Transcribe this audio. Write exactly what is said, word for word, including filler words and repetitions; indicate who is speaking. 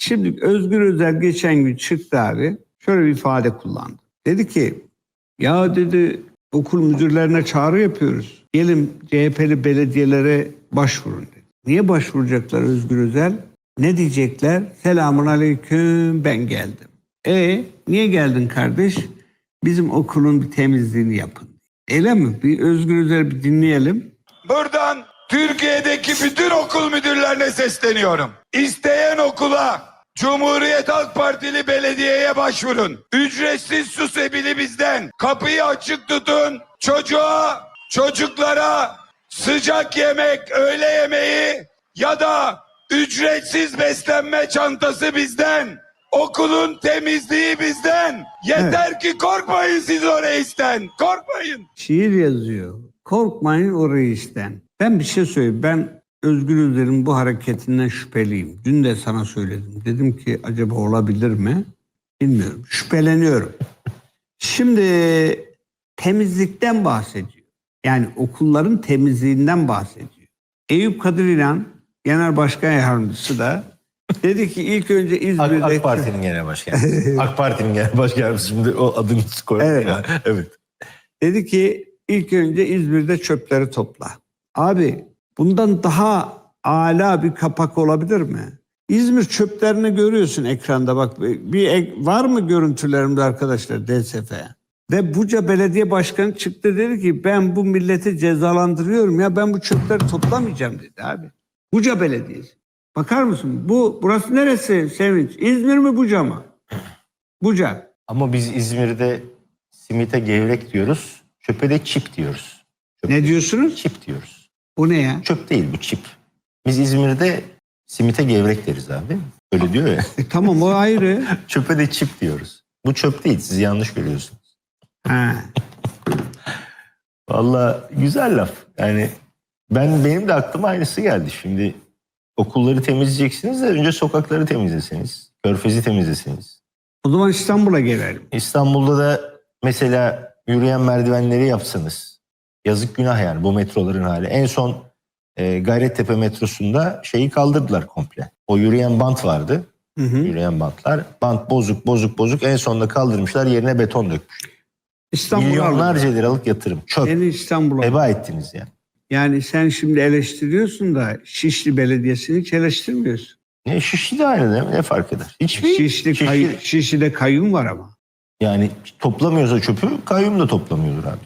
Speaker 1: Şimdi Özgür Özel geçen gün çıktı abi. Şöyle bir ifade kullandı. Dedi ki ya dedi okul müdürlerine çağrı yapıyoruz. Gelin C H P'li belediyelere başvurun dedi. Niye başvuracaklar Özgür Özel? Ne diyecekler? Selamun aleyküm, ben geldim. E niye geldin kardeş? Bizim okulun bir temizliğini yapın. Öyle mi? Bir Özgür Özel bir dinleyelim.
Speaker 2: Buradan Türkiye'deki bütün okul müdürlerine sesleniyorum. İsteyen okula Cumhuriyet Halk Partili belediyeye başvurun. Ücretsiz su sebili bizden. Kapıyı açık tutun. Çocuğa, çocuklara sıcak yemek, öğle yemeği ya da ücretsiz beslenme çantası bizden. Okulun temizliği bizden. Yeter evet. ki korkmayın siz o reisten. Korkmayın.
Speaker 1: Şiir yazıyor. Korkmayın o reisten. Ben bir şey söyleyeyim. Ben Özgür Özel'in bu hareketinden şüpheliyim. Dün de sana söyledim. Dedim ki acaba olabilir mi? Bilmiyorum. Şüpheleniyorum. Şimdi temizlikten bahsediyor. Yani okulların temizliğinden bahsediyor. Eyüp Kadir İnan, Genel Başkan Yardımcısı da dedi ki ilk önce İzmir'de...
Speaker 3: AK, AK Parti'nin genel başkanı. AK Parti'nin genel başkanı. Şimdi o adını koyalım.
Speaker 1: Evet.
Speaker 3: Ya. Evet.
Speaker 1: Dedi ki ilk önce İzmir'de çöpleri topla. Abi bundan daha âlâ bir kapak olabilir mi? İzmir çöplerini görüyorsun ekranda bak. Bir ek, var mı görüntülerimde arkadaşlar D S F? Ve Buca Belediye Başkanı çıktı dedi ki ben bu milleti cezalandırıyorum ya ben bu çöpleri toplamayacağım dedi abi. Buca Belediyesi. Bakar mısın? Bu burası neresi Sevinç? İzmir mi Buca mı? Buca.
Speaker 3: Ama biz İzmir'de simite gevrek diyoruz. Çöpe de çip diyoruz. Çöp
Speaker 1: Ne diyorsunuz?
Speaker 3: Çip diyoruz.
Speaker 1: Bu ne ya?
Speaker 3: Çöp değil bu çip. Biz İzmir'de simite gevrek deriz abi. Öyle diyor ya.
Speaker 1: E, tamam o ayrı.
Speaker 3: Çöpe de çip diyoruz. Bu çöp değil. Siz yanlış görüyorsunuz.
Speaker 1: Ha.
Speaker 3: Vallahi güzel laf. Yani ben benim de aklıma aynısı geldi. Şimdi okulları temizleyeceksiniz de önce sokakları temizleseniz. Körfezi temizleseniz.
Speaker 1: O zaman İstanbul'a gelelim.
Speaker 3: İstanbul'da da mesela yürüyen merdivenleri yapsanız. Yazık günah yani bu metroların hali. En son e, Gayrettepe metrosunda şeyi kaldırdılar komple. O yürüyen bant vardı. Hı hı. Yürüyen bantlar. Bant bozuk bozuk bozuk en sonunda kaldırmışlar yerine beton dökmüşler. Milyonlarca liralık yatırım. Çöp.
Speaker 1: Seni İstanbul'a.
Speaker 3: Heba ettiniz ya.
Speaker 1: Yani sen şimdi eleştiriyorsun da Şişli Belediyesi'ni hiç eleştirmiyorsun.
Speaker 3: Ne Şişli de aynı değil mi? Ne fark eder? Hiçbir
Speaker 1: Şişli,
Speaker 3: Şişli...
Speaker 1: Kay- Şişli'de kayyum var ama.
Speaker 3: Yani toplamıyorsa çöpü kayyum da toplamıyordur abi.